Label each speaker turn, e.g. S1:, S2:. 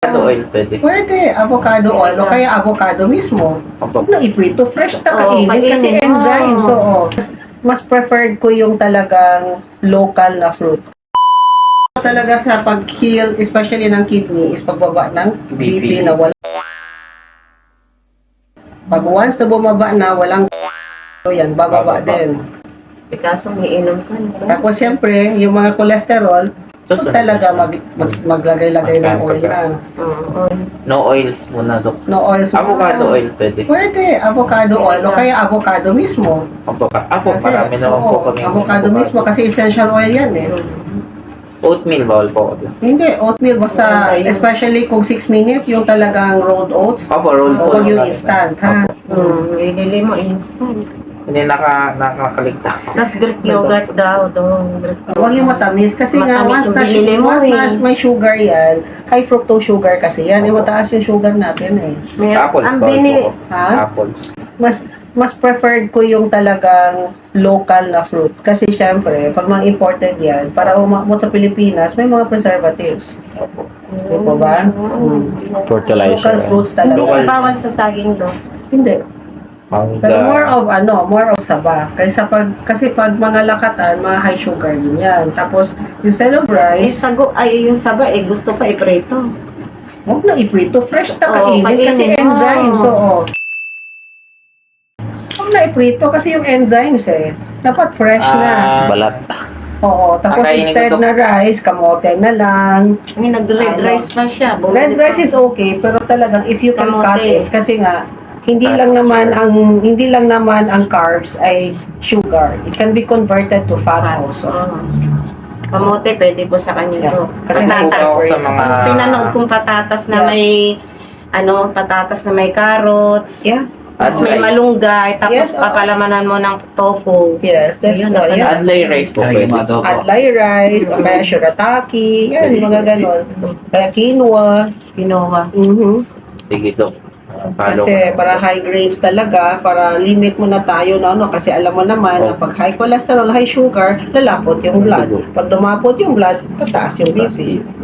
S1: Avocado oil pwede.
S2: Pwede, avocado oil o kaya avocado mismo.
S1: Opo.
S2: Huwag na iprito, fresh na
S3: Oo,
S2: kainin kasi
S3: kainin,
S2: enzymes.
S3: oo.
S2: Oo. Mas preferred ko yung talagang local na fruit. Talaga sa pag-heal, especially ng kidney, is pagbaba ng BP na wala. Pag once na bumaba na, walang yan, bababa din.
S3: Kaso may inom ka na.
S2: Tapos siyempre, yung mga cholesterol,
S1: Susunod
S2: talaga
S1: na
S2: maglagay-lagay ng oil na.
S3: Oo.
S1: No oils muna, Dok.
S2: No oils.
S1: Avocado oil pwede.
S2: Pwede, avocado oil o kaya avocado mismo.
S1: Opo, marami naman po
S2: oo,
S1: kami.
S2: avocado mismo kasi essential oil yan eh.
S1: Oatmeal, bawal po ako.
S2: Hindi, oatmeal basta, especially kung 6 minute, yung talagang rolled oats.
S1: Opo, roll po.
S2: Huwag yung instant, ha?
S3: Ilili mo instant.
S1: Hindi nakakaligtas.
S3: Tapos Greek yogurt daw doon.
S2: Huwag yung matamis kasi nga
S3: Matamis
S2: once
S3: yung binili mo eh.
S2: may sugar yan, high fructose sugar kasi yan, eh mataas yung sugar natin eh.
S1: Apples,
S3: Ang
S1: bawal
S3: bini...
S1: po ako.
S2: Ha?
S1: Apples.
S2: Mas preferred ko yung talagang local na fruit kasi syempre, pag mga imported yan, para umabot sa Pilipinas, may mga preservatives.
S1: Opo.
S2: Di ba ba?
S4: Fertilizer.
S2: Local fruits
S3: Hindi
S2: talaga.
S3: siya bawal sa saging doon.
S2: Hindi.
S1: Mangga.
S2: Pero more of saba. Kasi pag mga lakatan, mga high sugar din yan. Tapos, instead of rice,
S3: Yung saba gusto pa iprito.
S2: huwag na iprito. Fresh na
S3: Oo,
S2: kainin kasi
S3: kainin.
S2: enzymes. Oo. Huwag na iprito kasi yung enzymes eh. Dapat fresh na.
S4: Balat.
S2: Oo. Tapos
S1: Kakainin
S2: instead
S1: ko to.
S2: na rice, kamote na lang.
S3: Nag-red
S2: Ano?
S3: rice pa siya.
S2: Red rice is okay, pero talagang if you can
S3: Kamote.
S2: cut it, kasi nga, hindi lang naman ang carbs ay sugar. It can be converted to fat also.
S3: Kamote, pwede po sa kanya
S2: Yeah.
S3: to.
S2: Kasi
S3: Patatas.
S1: ako sa mga...
S3: Pinanood kong patatas na
S2: Yeah.
S3: may patatas na may carrots.
S2: Yeah.
S3: Tapos may malunggay, tapos
S2: Yes, oo.
S3: papalamanan mo ng tofu.
S2: Yes, that's
S3: Ayun,
S2: all. Yeah.
S1: Adlay rice po pwede.
S2: Adlay rice, o kaya shirataki, yan, mga ganon. Kaya quinoa.
S3: Pinoa.
S1: Sige, Dok. Follow
S2: Kasi
S1: ko.
S2: para high grades talaga, para limit mo na tayo na kasi alam mo naman na pag high cholesterol, high sugar, lalapot yung blood. Pag lumapot yung blood, tataas yung BP.